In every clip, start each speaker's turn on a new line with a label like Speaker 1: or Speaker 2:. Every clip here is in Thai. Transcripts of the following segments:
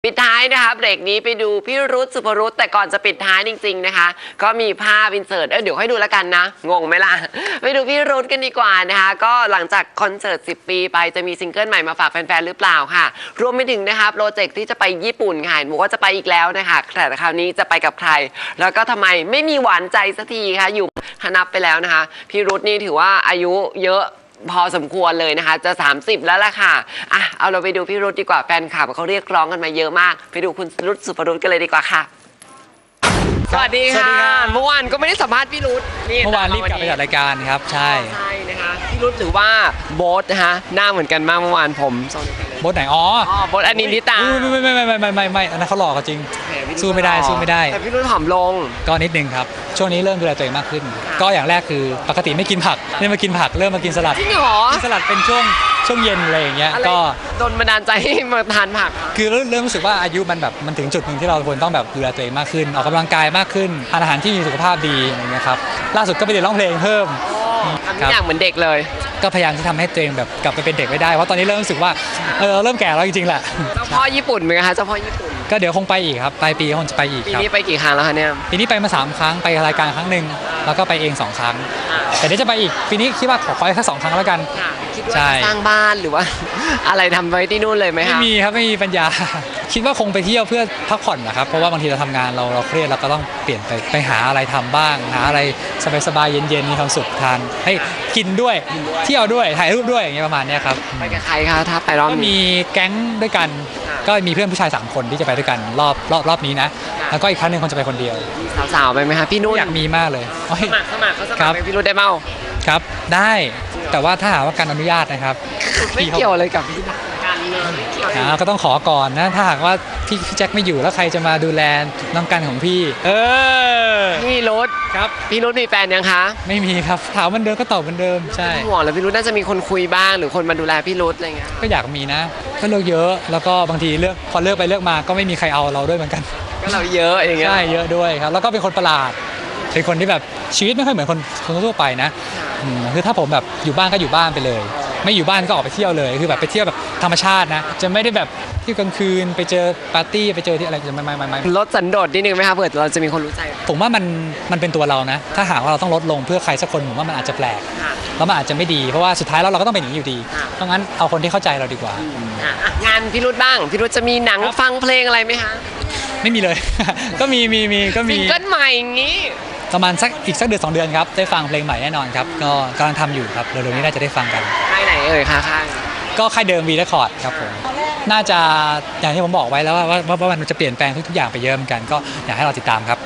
Speaker 1: ปิดท้ายนะคะเบรกนี้ไปดูพี่รุธสุภรุธแต่ก่อนจะปิดท้ายจริงๆนะคะก็มีภาพอินเสิร์ตเดี๋ยวให้ดูแล้วกันนะงงไหมล่ะไปดูพี่รุธกันดีกว่านะคะก็หลังจากคอนเสิร์ต10 ปีไปจะมีซิงเกิลใหม่มาฝากแฟนๆหรือเปล่าค่ะรวมไปถึงนะคะโปรเจกต์ที่จะไปญี่ปุ่นค่ะบอกว่าจะไปอีกแล้วนะคะแต่คราวนี้จะไปกับใครแล้วก็ทำไมไม่มีหวานใจสักทีคะอยู่นับไปแล้วนะคะพี่รุธนี่ถือว่าอายุเยอะพอสมควรเลยนะคะจะ30แล้วล่ะค่ะเอาเราไปดูพี่รุธดีกว่าแฟนคลับเขาเรียกร้องกันมาเยอะมากไปดูคุณรุธสุภรุธกันเลยดีกว่าค่ะสวัสดีค่ะเมื่อวานก็ไม่ได้สัมภาษณ์พี่รุธ
Speaker 2: เมื่อวานรีบกลับไปจัดรายการครับใช่
Speaker 1: นะคะพี่รุธหรือว่าโบ๊ทนะคะหน้าเหมือนกันมากเมื่อวานผม
Speaker 2: โบ๊ทไหนอ๋อ
Speaker 1: โบ๊ทอนินทิตา
Speaker 2: ไม่อันนั้นเขาหลอกจริงสู้ไม่ได้
Speaker 1: แต่พี่รุธผอมลง
Speaker 2: ก็นิดนึงครับช่วงนี้เริ่มดูแลตัวเองมากขึ้นก็อย่างแรกคือปกติไม่กินผักนี่มากินผักเริ่มมากินสลัด
Speaker 1: จริงเหรอ
Speaker 2: กินสลัดเป็นช่วงเย็นอะไรอย่างเงี้ยก็
Speaker 1: โดนบันดาลใจให้มาทานผัก
Speaker 2: คือเริ่มรู้สึกว่าอายุมันถึงจุดหนึ่งที่เราควรต้องแบบดูแลตัวเองมากขึ้นออกกำลังกายมากขึ้นทานอาหารที่มีสุขภาพดีอะไรเงี้ยครับล่าสุดก็ไปเรียนร้องเพลงเพิ่ม
Speaker 1: ทำทุกอย่างเหมือนเด็กเลย
Speaker 2: ก็พยายามที่ทำให้ตัวเองแบบกลับไปเป็นเด็กไม่ได้เพราะตอนนี้เริ่มรู้สึกว่าเริ่มแก่แล้วจริงๆแหละ
Speaker 1: เจ้าพ่อญี่ปุ่นไหมคะเจ้าพ่อญี่ปุ่น
Speaker 2: ก็เดี๋ยวคงไปอีกครับปลายปีคงจะไปอีก
Speaker 1: ปีนี้ไปกี่ครั้งแล้วคะเนี่ย
Speaker 2: ปีนี้ไปมา3 ครั้งไปรายการครั้งหนึ่งแล้วก็ไปเอง2 ครั้งแต่เดี๋ยวจะไปอีกปีนี้คิดว่าขอแค่2 ครั้งแล้วกัน
Speaker 1: คิดว่าจะสร้างบ้านหรือว่าอะไรทำไว้ที่นู่นเลยไหมคะ
Speaker 2: ไม่มีครับไม่มีปัญญาคิดว่าคงไปเที่ยวเพื่อพักผ่อนนะครับเพราะว่าบางทีเราทำงานเราเครียดเราก็ต้องเปลี่ยนไปหาอะไรทำบ้างหาอะไรสบายๆเย็นๆมีความสุขทานให้กินด้วยเที่ยวด้วยถ่ายรูปด้วยอย่างเงี้ยประมาณนี้ครับ
Speaker 1: ไปกับใครคะถ้าไปรอบนี้
Speaker 2: ก็มีแก๊งด้วยกันก็มีเพื่อนผู้ชาย3 คนที่จะไปด้วยกันรอบนี้นะแล้วก็อีกครั้งนึงคนจะไปคนเดียว
Speaker 1: สาวๆไปไหมคะพี่นุ่น
Speaker 2: อยากมีมากเลย
Speaker 1: สมัครไปพี่รุ่นได้เมา
Speaker 2: ครับได้แต่ว่าถ้าหาว่าการอนุญาตนะครับ
Speaker 1: ไม่เกี่ยวเลยกับพี่
Speaker 2: ก็ต้องขอก่อนนะถ้าหากว่าพี่แจ็คไม่อยู่แล้วใครจะมาดูแลน้องกันของพี่
Speaker 1: พี่รุธ
Speaker 2: ครับ
Speaker 1: พี่รุธมีแฟนยังคะ
Speaker 2: ไม่มีครับถามเหมือนเดิมก็ตอบเหมือนเดิมใช่
Speaker 1: ห่วงแล้วพี่รุธน่าจะมีคนคุยบ้างหรือคนมาดูแลพี่รุธอะไรเงี้ย
Speaker 2: ก็อยากมีนะก็เลือกเยอะแล้วก็บางทีพอเลือกไปเลือกมาก็ไม่มีใครเอาเราด้วยเหมือนกัน
Speaker 1: ก็เราเยอะอย่างเงี้ย
Speaker 2: ใช่เยอะด้วยครับแล้วก็เป็นคนประหลาดเป็นคนที่แบบชีวิตไม่ค่อยเหมือนคนทั่วไปนะคือถ้าผมแบบอยู่บ้านก็อยู่บ้านไปเลยไม่อยู่บ้านก็ออกไปเที่ยวเลยคือแบบไปเที่ยวแบบธรรมชาตินะจะไม่ได้แบบที่กลางคืนไปเจอปาร์ตี้ไปเจอที่อะไรจะไม่
Speaker 1: ลดสันโดษนิดนึงไหมครับเผื่อเราจะมีคนรู้ใจ
Speaker 2: ผมว่ามันเป็นตัวเรานะถ้าหากว่าเราต้องลดลงเพื่อใครสักคนผมว่ามันอาจจะแปลกแล้วมันอาจจะไม่ดีเพราะว่าสุดท้ายแล้วเราก็ต้องเป็นอย่างนี้อยู่ดีเพราะงั้นเอาคนที่เข้าใจเราดีกว่
Speaker 1: างานพี่รุธบ้างพี่รุธจะมีหนังฟังเพลงอะไรไหมคะ
Speaker 2: ไม่มีเลยก็มี
Speaker 1: ซิงเกิลใหม่อย่างนี้
Speaker 2: ประมาณอีกสักเดือน2 เดือนครับได้ฟังเพลงใหม่แน่นอนครับก็กำลังทำอยู่ครับเร็วๆนี้น่าจะได้ฟังกัน
Speaker 1: ค่ายไหนคะค่าย
Speaker 2: ก็ค่ายเดิมวีเรคคอร์ดครับผมน่าจะอย่างที่ผมบอกไว้แล้วว่ามันจะเปลี่ยนแปลงทุกอย่างไปเยอะเหมือนกันก็อยากให้เราติดตามครับ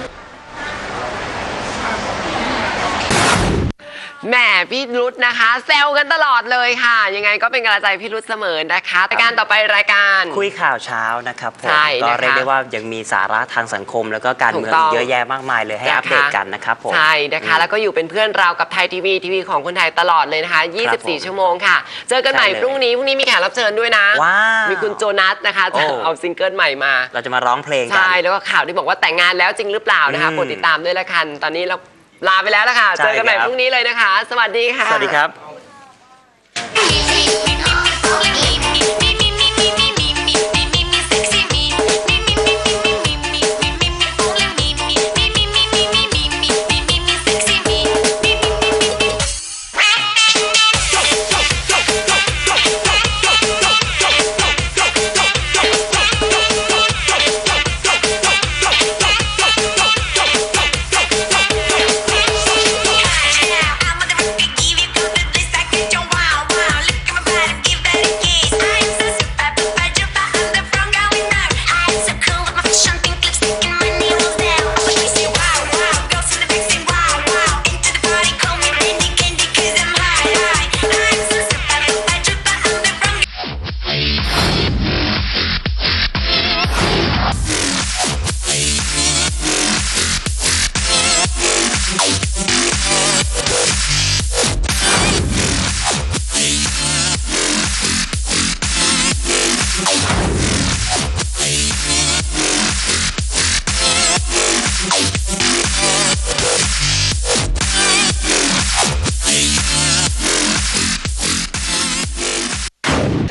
Speaker 1: แหมพี่รุธนะคะแซวกันตลอดเลยค่ะยังไงก็เป็นกำลังใจพี่รุธเสมอนะคะรายการต่อไปรายการ
Speaker 3: คุยข่าวเช้านะครับผมก็เรียกได้ว่ายังมีสาระทางสังคมแล้วก็การเมืองเยอะแยะมากมายเลยให้อัปเดตกันนะครับผม
Speaker 1: ใช่นะคะแล้วก็อยู่เป็นเพื่อนเรากับไทยทีวีของคนไทยตลอดเลยนะคะ24 ชั่วโมงค่ะเจอกันใหม่พรุ่งนี้มีแขกรับเชิญด้วยนะมีคุณโจนัสนะคะจะเอาซิงเกิลใหม่มา
Speaker 3: เราจะมาร้องเพลงกัน
Speaker 1: ใช่แล้วก็ข่าวที่บอกว่าแต่งงานแล้วจริงหรือเปล่านะคะโปรดติดตามด้วยละกันตอนนี้เราลาไปแล้วละค่ะเจอกันใหม่พรุ่งนี้เลยนะคะสวัสดีค่ะ
Speaker 3: สวัสดีครับ